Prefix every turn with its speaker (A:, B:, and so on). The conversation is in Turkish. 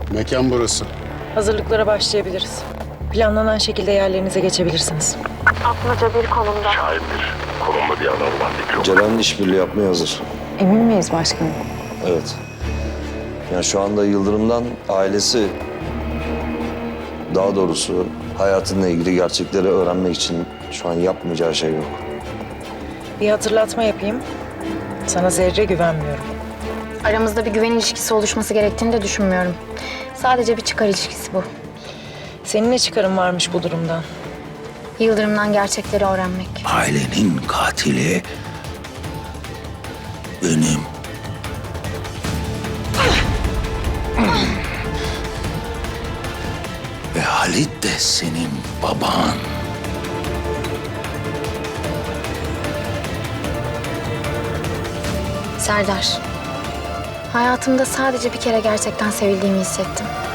A: Mekan burası.
B: Hazırlıklara başlayabiliriz. Planlanan şekilde yerlerinize geçebilirsiniz.
C: Şahindir. Konumlu bir adam var. Dikkat.
D: Ceren işbirliği yapmaya hazır.
E: Emin miyiz başkanım?
D: Evet. Yani şu anda Yıldırım'dan ailesi, daha doğrusu hayatınla ilgili gerçekleri öğrenmek için şu an yapmayacağı şey yok.
B: Bir hatırlatma yapayım. Sana zerre güvenmiyorum.
F: Aramızda bir güven ilişkisi oluşması gerektiğini de düşünmüyorum. Sadece bir çıkar ilişkisi bu.
B: Senin ne çıkarın varmış bu durumdan?
F: Yıldırım'dan gerçekleri öğrenmek.
G: Ailenin katili benim. Ve Halit de senin baban.
F: Serdar, hayatımda sadece bir kere gerçekten sevildiğimi hissettim.